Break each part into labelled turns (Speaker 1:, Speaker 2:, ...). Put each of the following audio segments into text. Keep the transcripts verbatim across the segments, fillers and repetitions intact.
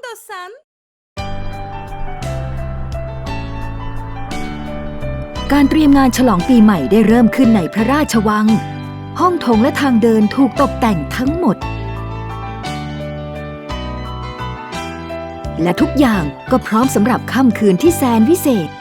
Speaker 1: istiyorsan.
Speaker 2: การเตรียมงานฉลองปีใหม่ได้เริ่มขึ้นในพระราชวัง ห้องโถงและทางเดินถูกตกแต่งทั้งหมด และทุกอย่างก็พร้อมสำหรับค่ำคืนที่แสนวิเศษ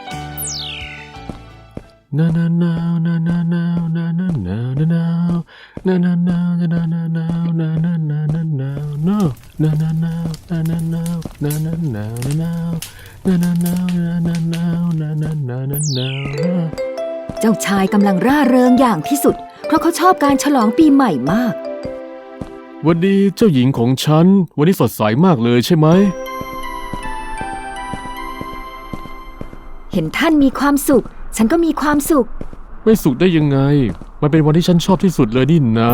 Speaker 3: นานานาวนานานาวนานานาวนานาวนานานาวนานานาวนานานาวนานาวนานานานาวนานานาวนานานาวนานาวนานานาวนานานาวนานานาวนานา
Speaker 2: เจ้าชายกำลังร่าเริงอย่างที่สุดเพราะเขาชอบการฉลองปีใหม่มาก
Speaker 3: วันดีเจ้าหญิงของฉันวันนี้สดใสมากเลยใช่ไหม
Speaker 2: เห็นท่านมีความสุขฉันก็มีความสุข
Speaker 3: ไม่สุขได้ยังไงมันเป็นวันที่ฉันชอบที่สุดเลยนี่นะ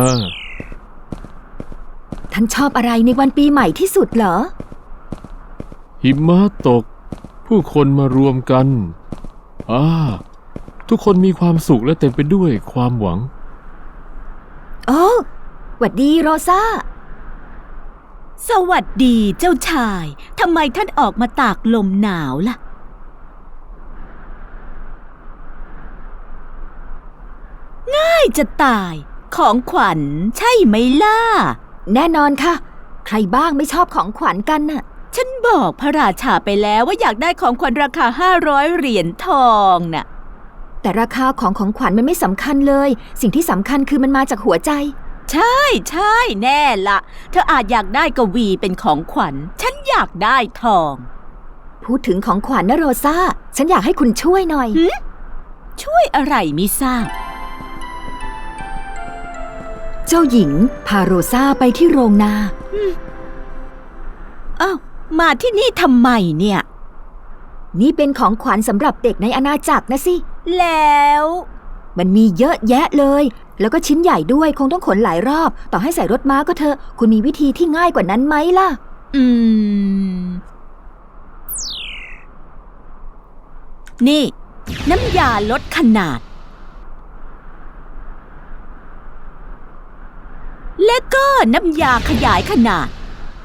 Speaker 2: ท่านชอบอะไรในวันปีใหม่ที่สุดเหรอ
Speaker 3: หิมะตกผู้คนมารวมกันอ่าทุกคนมีความสุขและเต็มไปด้วยความหวัง
Speaker 2: โอ้หวัดดีโรซา
Speaker 1: สวัสดีเจ้าชายทำไมท่านออกมาตากลมหนาวล่ะง่ายจะตายของขวัญใช่ไหมล่ะ
Speaker 2: แน่นอนค่ะใครบ้างไม่ชอบของขวัญกันน่ะ
Speaker 1: ฉันบอกพระราชาไปแล้วว่าอยากได้ของขวัญราคาห้าร้อยเหรียญทองน่ะ
Speaker 2: แต่ราคาของของขวัญมันไม่สำคัญเลยสิ่งที่สำคัญคือมันมาจากหัวใจ
Speaker 1: ใช่ใช่แน่ละเธออาจอยากได้กวีเป็นของขวัญฉันอยากได้ทอง
Speaker 2: พูดถึงของขวัญนะโรซาฉันอยากให้คุณช่วยหน่อย
Speaker 1: ช่วยอะไรมิทราบ
Speaker 2: เจ้าหญิงพาโรซาไปที่โรงนา
Speaker 1: อ้าวมาที่นี่ทำไมเนี่ย
Speaker 2: นี่เป็นของขวัญสำหรับเด็กในอาณาจักรนะสิ
Speaker 1: แล้ว
Speaker 2: มันมีเยอะแยะเลยแล้วก็ชิ้นใหญ่ด้วยคงต้องขนหลายรอบต่อให้ใส่รถม้าก็เถอะคุณมีวิธีที่ง่ายกว่านั้นไหมล่ะ
Speaker 1: อืมนี่น้ำยาลดขนาดและก็น้ำยาขยายขนาด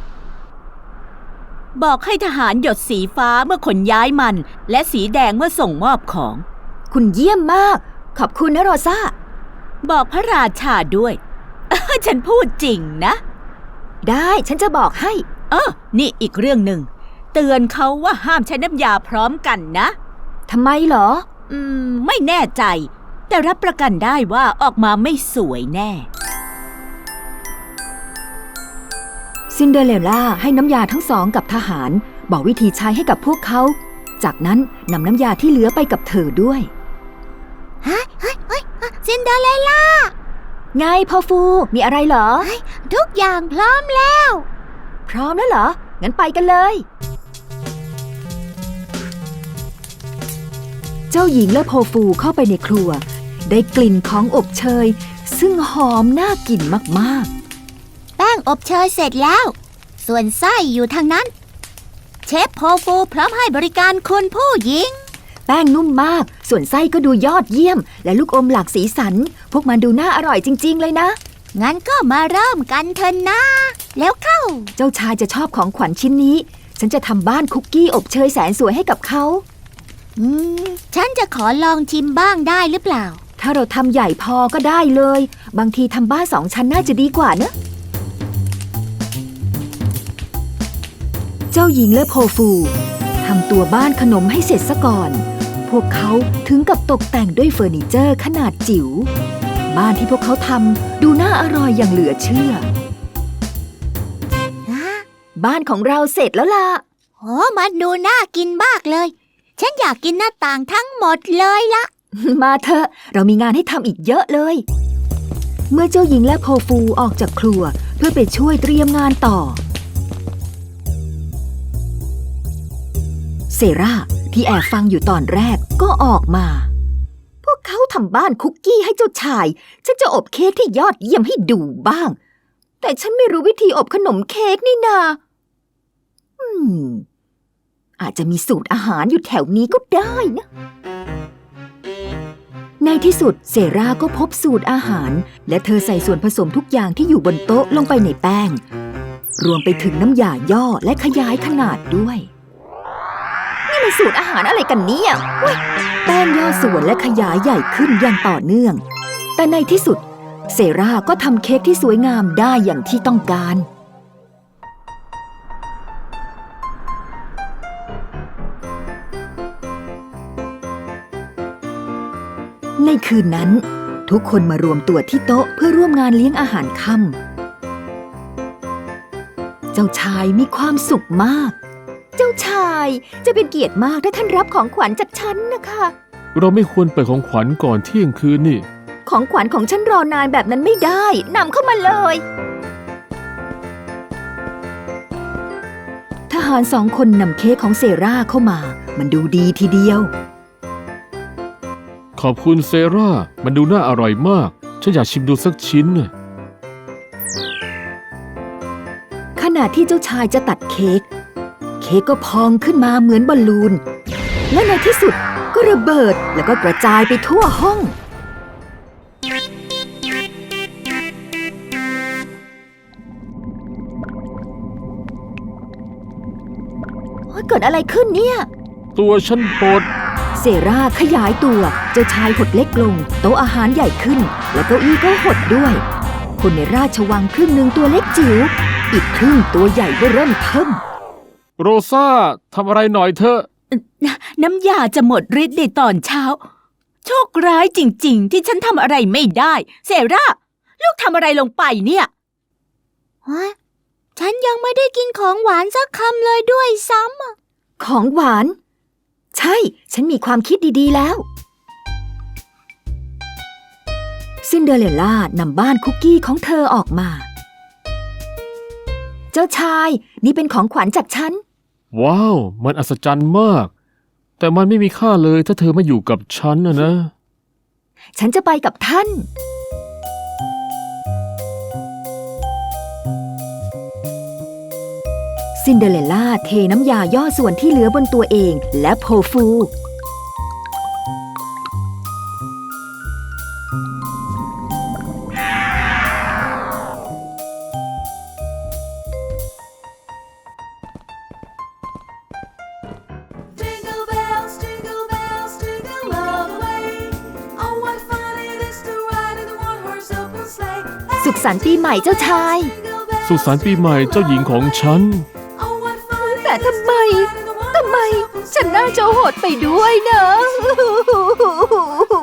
Speaker 1: บอกให้ทหารหยดสีฟ้าเมื่อขนย้ายมันและสีแดงเมื่อส่งมอบของ
Speaker 2: คุณเยี่ยมมากขอบคุณนะโรซา
Speaker 1: บอกพระราชาด้วยฉันพูดจริงนะ
Speaker 2: ได้ฉันจะบอกให้
Speaker 1: เออนี่อีกเรื่องหนึ่งเตือนเขาว่าห้ามใช้น้ำยาพร้อมกันนะ
Speaker 2: ทำไมเหรอ
Speaker 1: อืมไม่แน่ใจแต่รับประกันได้ว่าออกมาไม่สวยแน่
Speaker 2: ซินเดอเรลล่าให้น้ำยาทั้งสองกับทหารบอกวิธีใช้ให้กับพวกเขาจากนั้นนำน้ำยาที่เหลือไปกับเธอด้วย
Speaker 4: ฮะเฮ้ยเฮ้ยซินเดอเรลล่า
Speaker 2: ไงพ่อฟูมีอะไรเหรอ
Speaker 4: ทุกอย่างพร้อมแล้ว
Speaker 2: พร้อมแล้วเหรองั้นไปกันเลยเจ้าหญิงและโพฟูเข้าไปในครัวได้กลิ่นของอบเชยซึ่งหอมน่ากินมากๆ
Speaker 4: แป้งอบเชยเสร็จแล้วส่วนไส้อยู่ทางนั้นเชฟโพฟูพร้อมให้บริการคุณผู้หญิง
Speaker 2: แป้งนุ่มมากส่วนไส้ก็ดูยอดเยี่ยมและลูกอมหลากสีสันพวกมันดูน่าอร่อยจริงๆเลยนะ
Speaker 4: งั้นก็มาเริ่มกันเถอะนะแล้วเข้า
Speaker 2: เจ้าชายจะชอบของขวัญชิ้นนี้ฉันจะทำบ้านคุกกี้อบเชยแสนสวยให้กับเขา
Speaker 4: อืมฉันจะขอลองชิมบ้างได้หรือเปล่า
Speaker 2: ถ้าเราทำใหญ่พอก็ได้เลยบางทีทำบ้านสองชั้นน่าจะดีกว่านะเจ้าหญิงและโพฟูทำตัวบ้านขนมให้เสร็จซะก่อนพวกเขาถึงกับตกแต่งด้วยเฟอร์นิเจอร์ขนาดจิ๋วบ้านที่พวกเขาทำดูน่าอร่อยอย่างเหลือเชื่อบ้านของเราเสร็จแล้วล่ะ
Speaker 4: โอ้มันดูน่ากินมากเลยฉันอยากกินหน้าต่างทั้งหมดเลยละ
Speaker 2: มาเถอะเรามีงานให้ทำอีกเยอะเลยเมื่อเจ้าหญิงและโพฟูออกจากครัวเพื่อไปช่วยเตรียมงานต่อเซราที่แอบฟังอยู่ตอนแรกก็ออกมาพวกเขาทำบ้านคุกกี้ให้เจ้าชายฉันจะอบเค้กที่ยอดเยี่ยมให้ดูบ้างแต่ฉันไม่รู้วิธีอบขนมเค้กนี่นาอืมอาจจะมีสูตรอาหารอยู่แถวนี้ก็ได้นะในที่สุดเซราก็พบสูตรอาหารและเธอใส่ส่วนผสมทุกอย่างที่อยู่บนโต๊ะลงไปในแป้งรวมไปถึงน้ำยาย่อและขยายขนาดด้วย นี่มันสูตรอาหารอะไรกันเนี่ยเว้ยแป้งย่อส่วนและขยายใหญ่ขึ้นอย่างต่อเนื่อง แต่ในที่สุดเซราก็ทำเค้กที่สวยงามได้อย่างที่ต้องการ ในคืนนั้นทุกคนมารวมตัวที่โต๊ะเพื่อร่วมงานเลี้ยงอาหารค่ำเจ้าชายมีความสุขมาก เจ้าชายจะเป็นเกียรติมากถ้าท่านรับของขวัญจากฉันนะคะ
Speaker 3: เราไม่ควรเปิดของขวัญก่อนเที่ยงคืนนี่
Speaker 2: ของขวัญของฉันรอนานแบบนั้นไม่ได้นำเข้ามาเลยทหารสองคนนำเค้กของเซราเข้ามามันดูดีทีเดียว
Speaker 3: ขอบคุณเซรามันดูน่าอร่อยมากฉันอยากชิมดูสักชิ้นน่ะ
Speaker 2: ขณะที่เจ้าชายจะตัดเค้กเค้กก็พองขึ้นมาเหมือนบอลลูนและในที่สุดก็ระเบิดแล้วก็กระจายไปทั่วห้องเกิดอะไรขึ้นเนี่ย
Speaker 3: ตัวฉันปวด
Speaker 2: เซราขยายตัวเจ้าชายหดเล็กลงโต๊ะอาหารใหญ่ขึ้นและเก้าอี้ก็หดด้วยคนในราชวังครึ่งหนึ่งตัวเล็กจิ๋วอีกครึ่งตัวใหญ่ก็เริ่มเทิ่ม
Speaker 3: โรซาทำอะไรหน่อยเถอะ
Speaker 1: น้ำยาจะหมดฤทธิ์ในตอนเช้า โชคร้ายจริงๆ ที่ฉันทำอะไรไม่ได้เซราลูกทำอะไรลงไปเนี่ย
Speaker 4: ฮะ ฉันยังไม่ได้กินของหวานสักคำเลยด้วยซ้ำอะ
Speaker 2: ของหวานใช่ฉันมีความคิดดีๆแล้วซินเดอเรลล่านำบ้านคุกกี้ของเธอออกมาเจ้าชายนี่เป็นของขวัญจากฉัน
Speaker 3: ว้าวมันอัศจรรย์มาก แต่มันไม่มีค่าเลยถ้าเธอไม่อยู่กับฉันนะนะ
Speaker 2: ฉันจะไปกับท่านซินเดอเรลล่าเทน้ำยาย่อส่วนที่เหลือบนตัวเองและโพฟู
Speaker 5: Jingle bells, jingle bells, jingle all the way. Oh, what fun it is to ride in a one-horse open sleigh.
Speaker 2: สุขสันต์ปีใหม่เจ้าชาย
Speaker 5: Jingle bells,
Speaker 3: สุขสันต์ปีใหม่เจ้าหญิงของฉัน
Speaker 5: oh, what fun it
Speaker 2: แต่ทำไม
Speaker 5: is to ride in a
Speaker 2: ทำไม
Speaker 5: one-horse open
Speaker 2: ฉัน
Speaker 5: sleigh.
Speaker 2: น่าจะหดไปด้วยนะ